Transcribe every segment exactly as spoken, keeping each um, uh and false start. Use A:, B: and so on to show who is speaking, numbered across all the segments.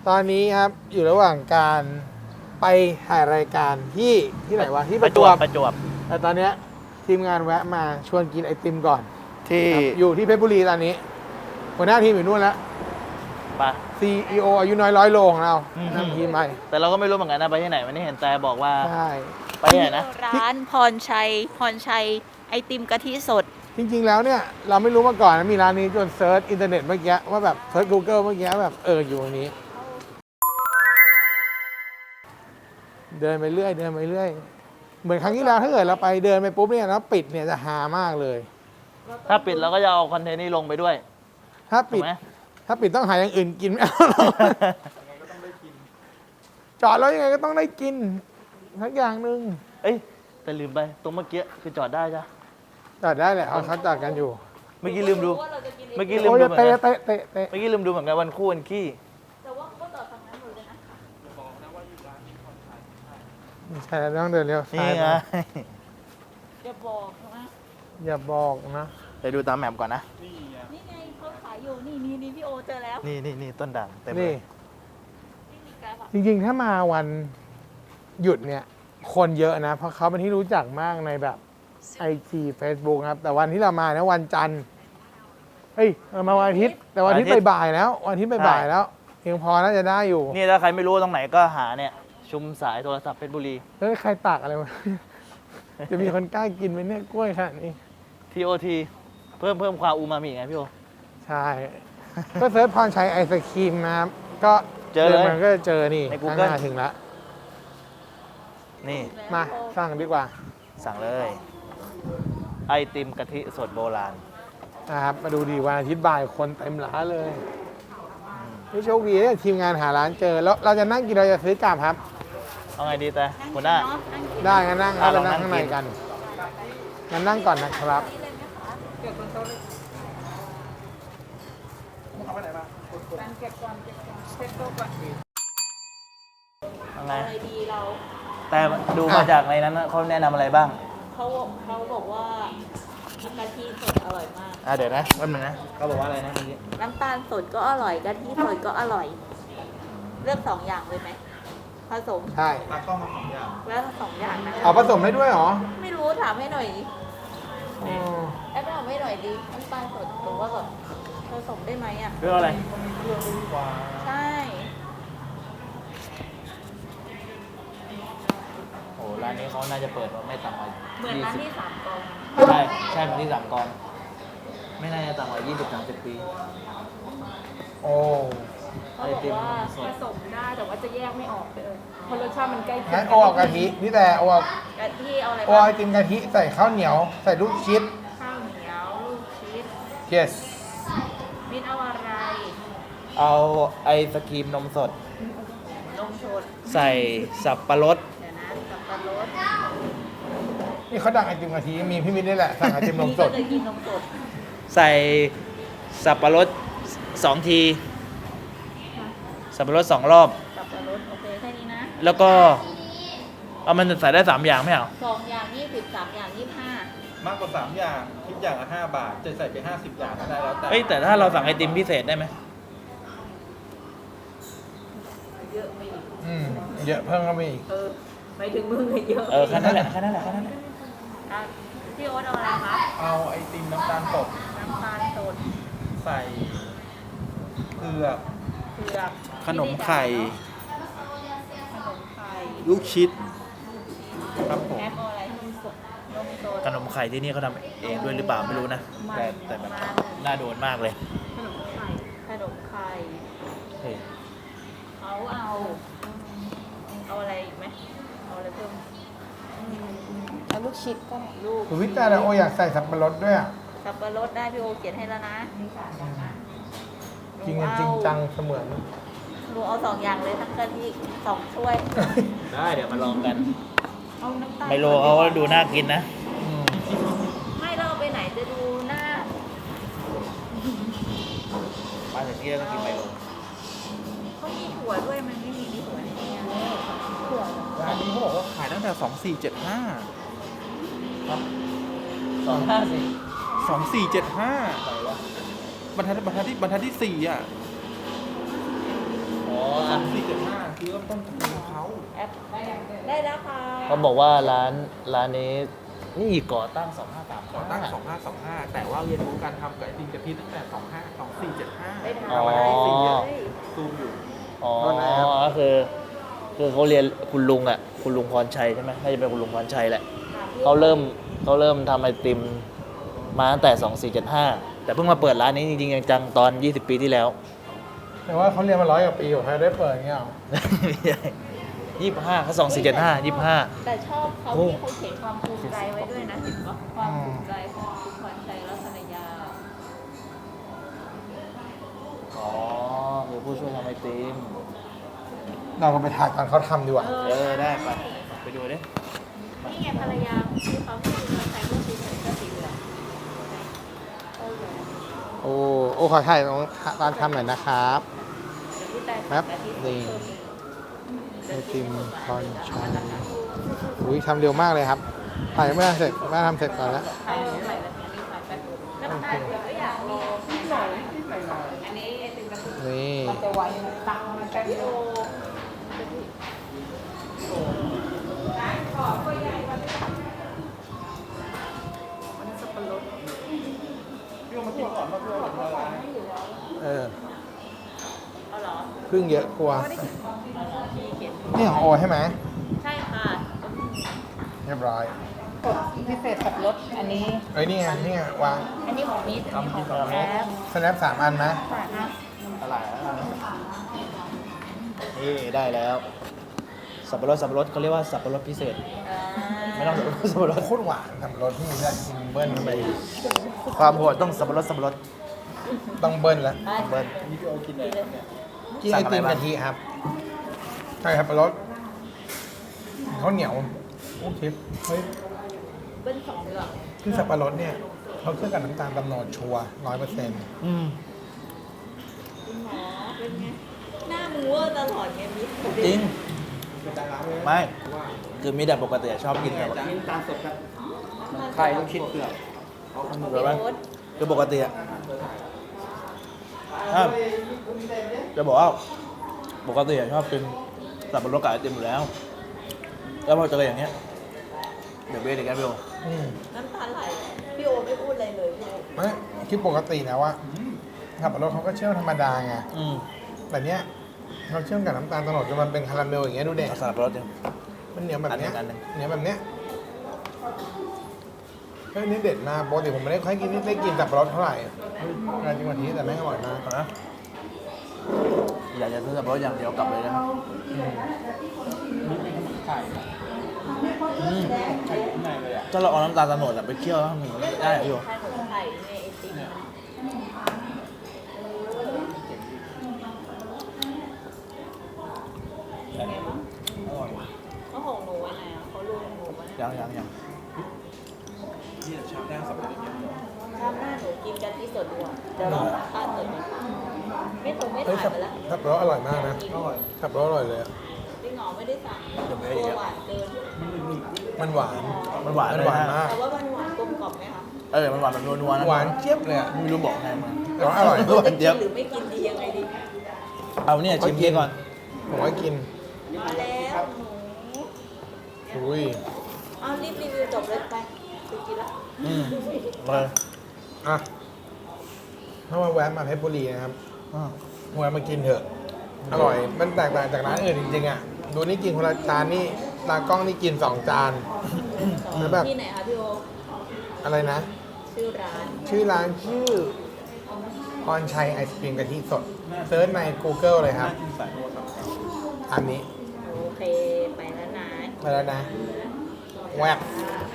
A: ตอนนี้ครับอยู่ระหว่างการไปถ่ายรายการที่ที่ไหนวะที่ประจวบ
B: ประจวบ
A: แต่ตอนเนี้ยทีมงานแวะมาชวนกินไอติมก่อน
B: ที่
A: ครับอยู่ที่เพชรบุรีตอนนี้หัวหน้าทีมอยู่นู่นแล้ว
B: ปะ
A: ซี อี โอ อายุน้อยร้อยโลของเรา
B: อืม
A: นำทีมไป
B: แต่เราก็ไม่รู้เหมือนกันนะไปที่ไหนวันนี้เห็นแต่บอกว่า
A: ใช่
B: ไปที่ไหนนะ
C: ร้านพรชัย พรชัยไอติมกะทิสด
A: จริงๆแล้วเนี่ยเราไม่รู้มาก่อนนะมีร้านนี้จนเซิร์ชอินเทอร์เน็ตเมื่อกี้ว่าแบบเซิร์ช Google เมื่อกี้แบบเอออยู่ตรงนี้ เดินไปเรื่อยเดินไปเรื่อยเหมือนครั้งที่แล้วถ้าเกิดเราไปเดินไปปุ๊บเนี่ยแล้วปิดเนี่ยจะฮามากเลย
B: ถ้าปิดเราก็จะเอาคอนเทนต์นี้ลงไปด้วย
A: ถ้า
B: ถู
A: ปิ
B: ก
A: ด
B: ไหม
A: ถ้าปิดต้องหาอย่างอื่นกินไม่เอาหรอกจอดแล้วยังไงก็ต้องได้กินทักอย่างหนึ่ง
B: เอ้ยแต่ลืมไปตรงเมื่อกี้คือจอดได้จ้ะ
A: จอดได้แหละเอาเขาจอดกันอยู่
B: เมื่อกี้ลืมดู เมื่อกี้ลืม
A: โอ้ย
B: ดูเหมือน
A: เตะ
B: กัน
A: เตะเตะเตะ
B: เมื่อกี้ลืมดูเหมือนกันวันคู่วันขี้
C: แต่ว่าเขาก็ต่อทางนั้นหมดเลยนะ
A: ไม่ใช่แล้วต้องเดินเร็วซ้า
B: นี่
A: ย
B: ไง
A: ไป
C: อย่าบอกนะ
A: อย่าบอกนะ
B: ไปดูตามแมปก่อนนะ
C: นี่ไงเขาขายอยู่ นี่นี่นี่พี่โอเจอแล้ว
B: นี่นี่นี่ต้นด่างเต็มเล
A: นี่
B: ย
C: นี่มีกราฟอะ
A: จริงๆ ถ้ามาวันหยุดเนี่ย คนเยอะนะ เพราะเขาเป็นที่รู้จักมากในแบบไอจีเฟซบุ๊กครับ แต่วันที่เรามาเนี่ยวันจันทร์เฮ้ยเรามาวันอาทิตย์ แต่วันอาทิตย์บ่ายๆแล้ว วันอาทิตย์บ่ายๆแล้วเพียงพอน่าจะได้อยู่
B: นี่ถ้าใครไม่รู้ตรงไหนก็หาเนี่ย ชุมสายโทรศัพท์เพชรบุรี
A: เฮ้ยใครตากอะไรวะ จะมีคนกล้ากินไหมเนี่ยกล้วยขนาดนี้
B: ที โอ ที เพิ่มเพิ่มความอูมามิไงพี่โอ
A: ใช่ ก็เซิร์ชพรชัยไอศครีมนะครับ ก็
B: เจอเลย
A: มันก็จะเจอนี่
B: ใน
A: ข้าง
B: Google
A: หน้าถึงแล้ว
B: นี่
A: มาสั่งดีกว่า
B: สั่งเลย ไอติมกะทิสดโบราณ
A: นะครับ มาดูดีวันอาทิตย์บ่ายคนเต็มร้านเลยนี่โชคดีเนี่ยทีมงานหาร้านเจอ แล้วเราจะนั่งกินเราจะซื้อกลับครับ
B: เอาไงดีแต่หัวหน้า
C: เนาะนั่งกิน
A: ได้งั้นนั่ง
B: อ่ะ
A: เรา
B: ลอง
A: นั่ง
B: นั่ง
A: ข้างใน
B: กิน
A: กันงั้นนั่งก่อนนะครับ
B: เอาไง
C: อะไรดีเรา
B: แต่ดูมาจากในนั้นนะเขาแนะนำอะไรบ้าง
C: เขาเขาบอกว่ากะทิสดอร่อยมาก
B: อ่ะเดี๋ยวนะแป๊บนึงนะเขาบอกว่าอะไรนะเมื่อกี้
C: น้ำตาลสดก็อร่อยกะทิสดก็อร่อย เลือกสองอย่างเลยไหมผสม
A: ใช่
C: แล้วสองอย่างนะ
A: เอาผสมได้ด้วยเหรอ
C: ไม่รู้ถามให้หน่อยดิ
A: อ๋อ
C: แอปถามให้หน่อยดิน้ำตาลสดหรือว่าแบบผสมได้ไหมอ่ะ
B: เรื่องอะไร
C: ใช่
B: โอ้ร้านนี้เขาน่าจะเปิดมาไม่ต่ำกว่า
C: เหมือนร้าน
B: ยี่สิบ
C: ที่สามกอง
B: ใช่ใช่เหมือนที่สามกอง ไม่น่าจะต่ำกว่ายี่สิบสามสิบปี
A: โอ้
C: เขาบอกว่า
D: ผสมได้แต่ว่าจะแยกไม่ออกเลยเพราะรสชาติมันใกล้เคีย
A: งั้
D: ง
A: นโอเอากะทินี่แต่โอเอา
C: กะทิเอาอะไร
A: โอ
C: บ้าง
A: ไอติมกะทิใส่ข้าวเหนียว ใส่ลูกชิด
C: ข้าวเหนียวลูกชีส
A: yes
C: มิ้นเอาอะไร
B: เอาไอศครีมนมสด
C: นมสด
B: ใส่สับปะรด
C: เดี๋ยวนะสับปะรด
A: นี่เขาดังไอติมกะทิมีพี่มิตรนี่แหละสั่งไอติมนมสด
C: นี่ก็เลยกินนมสด
B: ใส่สับปะรดสองที สับปะรดสองรอบ
C: สับปะรดโอเคแค่นี้นะ
B: แล้วก็เอามันใส่ได้สามอย่างไม่เอา
C: สองอย่างยี่สิบสามอย่างยี่สิบห้าม
E: ากกว่าสามอย่างคิดอย่างละห้าบาท จะใส่ไปห้าสิบอย่างก็ได้แล้วแต่
B: เอ้ยแต่ถ้าเราสั่งไอติมพิเศษได้ไหม
C: เยอะไม่อีก
A: อืมเยอะเพิ่มเข้าไปอีก
C: เออไปถึงมือเยอะ
B: เออแค่นั้นแหละแค่นั้นแหละแค่นั้นแหละ
C: อ่ะพี่โอ๊ตเอาอะไรคะ
E: เอาไอติมน้ำตาลสด
C: น้ำตาลสด
E: ใส่เผือก
C: เผือก
E: ขนมไข่
C: ขนมไข่
E: ลูกชิด ครับผม
C: แอปเอาอะไรนมสดนมสด
B: ขนมไข่ที่นี่เขาทำเองด้วยหรือเปล่าไม่รู้นะ แต่แต่แบบน่าโดนมากเลย
C: ขนมไข่ขนมไข่
B: เฮ้ย
C: เขาเอา เอาอะไรอีกไหมเอาอะไรเพิ่ม
D: เอาลูกชิดก็ได้
C: ลูก
A: คุณวิจารณ์โออยากใส่สับปะรดด้วยอ่ะ
C: สับปะรดได้พี่โอเขียนให้แล้วนะ
A: จริงจริงจังเสมือน
C: หนูเอาสองอย่างเลยทั้งกะทิสองถ้วย
B: ได้เดี๋ยวมาลองกัน
C: เอาน้ำตาล
B: ไมโลเขาก็ดูน่ากินนะ
A: อืม
C: ไม่เราเอาไปไหนจะดูหน้า
B: มาถึงที่แล้วต้องกินไมโล
C: เขามีถั่วด้วยมันไม่มีมีถั่วในนี้นะถั่ว
E: ร้านนี้เขาบอกว่าขายตั้งแต่สองสี่เจ็ดห้า
B: สองห้าสิ
E: สองสี่เจ็ดห้าบรรทัดบรรทัดที่บรรทัดที่สี่อ่ะ
B: อ๋ออ่ะ
E: คือเริ่มต้นของเขา
C: แอปได้แล้วค่ะ
B: เขาบอกว่าร้านร้านนี้นี่ก่อตั้งสองห้าสาม
E: ก่อตั้งสองห้าสองห้าแต่ว่าเรียนรู้การทำไก่ติงกะทิตั้งแต่สองห้า สองสี่เจ็ดห้า
C: ได้ทาน
B: อ๋อ
C: ได้สิเลย
E: ซูมอยู่
B: อ๋อก็คือคือเขาเรียนคุณลุงอ่ะคุณลุงพรชัยใช่ไหมน่าจะเป็นคุณลุงพรชัยแหละเขาเริ่มเขาเริ่มทำไอติมมาตั้งแต่สองสี่เจ็ดห้าแต่เพิ่งมาเปิดร้านนี้จริงๆจังๆตอนยี่สิบปีที่แล้ว
A: แต่ว่าเขาเรียนมาร้อยกว่าปีกว่าใครได้เปิดอย่างเงี้ยหรอ
B: ยี่สิบห้าเขาสองสี่เจ็ดห้ายี่สิบห้า
C: แต่ชอบเขา
B: โอ้
C: ที่เขาเขียนความภูมิใจไว้ด้วยนะเห็นปะความภูมิใจของคุณพรชัยรัตนยา
B: อ๋อคือผู้ช่วยทำไอติม
A: เราก็ไปถ่ายตอนเขาทำดีกว่า
B: เออได้ไปไปดูดิ
C: นี่ไงภรรยาที่เขาที่คุณพรชัยก็สีเหลืองก็สีเหลืองเออ
A: โอ้โอ้ขอถ่ายตรงตอนทำหน่อยนะครับ
C: เดี๋ยวพี่แต่
A: แป๊บ
C: แต่ที่
A: นี่ ไอติมพรชัยอุ้ยทำเร็วมากเลยครับถ่ายไม่ทันเสร็จไม่ทำเสร็จก่อนแล้ว
C: ใครรู้ใครแบบนี้ใครแป๊บน้ำตาลเดี๋ยวก็อยากมีหน่อยอันนี้ไอติมกระปุก
A: นี่
D: จะไว้ตังค์มันแป๊บ
C: วิ
D: เดี
C: โอ
D: ยว มันสับปะรด
E: พี่เอามากินก่อนมาเพื่อนละลาย
A: เออ
C: เอาเหรอ
A: พึ่งเยอะกลัว
C: มีเขียน
A: นี่ของโอใช่ไหม
C: ใช่ค่ะ
A: เรียบร้อย
D: กดพิเศษสับปะรดอันนี้
A: เอ้ยนี่ไงนี่ไงวาง
C: อันนี้ของมิตรอันนี้ของแอป
A: สแนปสามอันไหม
C: ค่ะนะ
B: อะไรนี่ได้แล้ว สับปะรดสับปะรดเขาเรียกว่าสับปะรดพิเศษ
C: อ่า
B: ไม่ต้องสับปะรดสับปะรด
A: โคตรหวานทำรสที่มีได้กินเบิ้ลเข้าไปอีก
B: ความโหดต้องสับปะรดสับปะรด
A: ต้องเบิ้ลแล้ว
C: ได้
B: เบิ้ล
E: นี่พี่โอกินอะไรเนี่ย
A: กินไอติมกะทิครับใช่ครับรสข้าวเหนียวโอ้ทิปเฮ้ย
C: เบิ้ลสองเดือน
A: คือสับปะรดเนี่ยเขาเครื่องกับน้ำตาลตำโนดชัวร้อยเปอร์เซ็นต์
B: อืม
C: คุณหมอเป็นไง หน้ามึงเวอร์ตลอดไงมิตร
B: จริง
E: เป็นดาราเลย
B: ไม่ คือมีแต่ปกติชอบกินแบบ
E: กินตามสดครับ
C: ใครต้องคิด
E: เปลือก
B: หรือว่าคือปกติอะถ้าจะบอกว่าปกติอะชอบกินสับปะรดกับไอติมอยู่แล้ว แล้วพอเจออย่างเงี้ยเดี๋ยวเบสอีกแล้วพี่โอ
A: อืม
C: น้ำตาไหลพี่โอไม่พูดอะไรเลยพี่โอ
A: ไม่คิดปกตินะว่าสับปะรดเขาก็เชื่อมธรรมดาไง
B: อืม
A: แต่เนี้ยเขาเชื่อมกับน้ำตาลตำโนดจนมันเป็นคาราเมลอย่างเงี้ยดูเด็ก
B: เอาสับปะรดยัง
A: มันเหนียวแบบเนี้ย
B: อันหนึ่ง
A: เหนียวแบบเนี้ยเฮ้ยนี่เด็ดมากปกติผมไม่ได้ค่อยกินไม่ได้กินสับปะรดเท่าไหร่งานจริงวันนี้แต่แม่งอร่อยมาก
B: นะอยากจะซื้อสับปะรดอย่างเดียวกลับเลยนะครับ
E: ไข่
B: อืม
E: ไข่ข้างในเลยอ่ะ
B: ถ้าเราเอาน้ำตาลตะโนดอะไปเคี่ยวแล้วมันได้เหรอพี่โอ
C: ขนมไข่ในไอติม
E: อร่อย
C: เขาของหนูไว้ไหนอ่ะเขาลูกหนูไว้
B: ยังยังยัง
E: นี่ชามแรกสับปะรดอย่างเดียว
C: ชอบหน้าหนูกินกะทิสดดีกว่าจะลองสัมภาษณ์สดไหมไม่ถูกไม่
A: เฮ้ย
C: ถ่าย
A: สับ
C: ไปแล้ว
A: สับปะรดอร่อยมากนะ
E: อร่อย
A: สับปะรดอร่อยเลยอะ
C: จริงเหรอไม่ได้สั่งตัวหวานเกิน
A: มันหวาน
B: มันหวาน
A: มัน
B: เลย
A: หวาน
B: นะ
A: มาก
C: แต่ว่ามันหวานกลมกล่อมไหมคะ
B: เออมันหวานแบบนัวๆนะ
A: หวานเจี๊ยบเลยอะ
B: ไม่รู้บอกไงมัน
A: แต่ว่าอร่อย
B: หวานเจี๊ยบ
C: หรือไม่กินดียังไงดี
B: เอาเนี่ยชิมเค้กก่อน
A: ผมว่ากิน
C: มาแล้วหนู
A: อุ้ย
C: เอารีบรีวิวจบเลยไปไปกินละ
B: อืมเลย
A: อ่ะถ้ามาแวะมาเพชรบุรีนะครับ
B: อ่า
A: แวะมากินเถอะ อร่อย มันแตกต่างจากร้านอื่นจริงๆอ่ะ ดูนี่กินคนละจานนี่ตากล้องนี่กินสองจาน แล้วแบบ
C: ที่ไหนคะพี่โอ
A: อะไรนะ
C: ชื่อร้าน
A: ชื่อร้านชื่อพรชัยไอศครีมกะทิสดเซิร์ชใน Google เลยครับ
E: น่ากินสายโรสครับ
A: อันนี้
C: โอเค ไปแล้วนะ
A: ไปแล้วนะ แวบ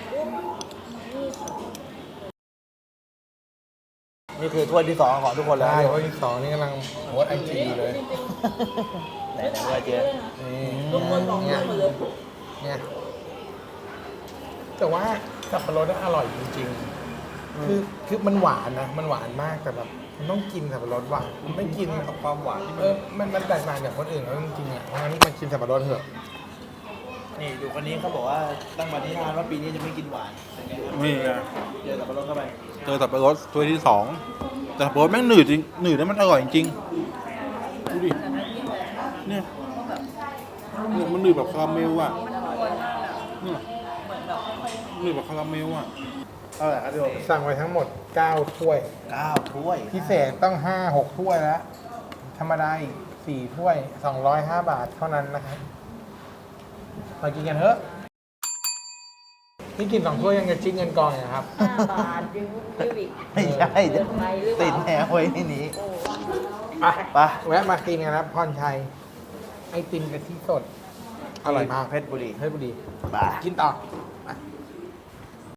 B: นี่คือถ้วยที่สองของทุกคนแล้ว
A: ใช่เพราะที่สองนี่กำลังโพสไอจีเลย
B: ไหนไหนว่าเจ๊
A: นี่
C: ทุกคนบอก
A: เนี่ย
C: หมดเลย
A: เนี่ยแต่ว่าสับปะรดน่ะอร่อยจริงๆ คือคือมันหวานนะ มันหวานมากแต่แบบมันต้องกินสับปะรดหวานไม่กิน
E: กับความหวานที่
A: เอ
E: มัน
A: อ มันมันแตกต่างจากคนอื่นเขาจริงๆอ่ะ เพราะงั้นมากินสับปะรดเถอะ
B: นี่ดูคนนี้เขาบอกว่าตั้งปณิธานว่าปีนี้จะไม่กินหวานเป็นไงครับ
E: นี่ไง
B: เจอสับปะรดเข้าไป
E: เจอสับปะรดถ้วยที่สองแต่สับปะรดแม่งหนืดจริงหนืดแล้วมันอร่อยจริงดูดิ
F: เนี่ยเนี่ยมันหนืดแบบคาราเมลอ่ะเนี่ยหนืดแบบคาราเมลอ่ะ
B: เท่าไหร่ครับพี่โอ
A: สั่งไว้ทั้งหมดเก้าถ้วย
B: เก้าถ้วย
A: พิเศษต้องห้าหกถ้วยแล้ว ธรรมดาอีกสี่ถ้วยสองร้อยห้าบาทเท่านั้นนะครับมากินกันเถอะนี่กินสองถ้วยยังจะจิ้งเงินกองอยู่นะครับ
C: ห้าบาทยังยืดอีก
B: ไม่ใช่
C: เกินไปหรือเป
B: ติด
C: ล่า
B: แนวไว้ที่นี้
C: โอ้
A: ไป
B: ไป
A: แวะมากินกันครับพรชัย ไอติมกะทิสด อร่อยมาก
B: เพชรบุรี
A: เพชรบุรี
B: ไป
A: กินต่อ
B: ไ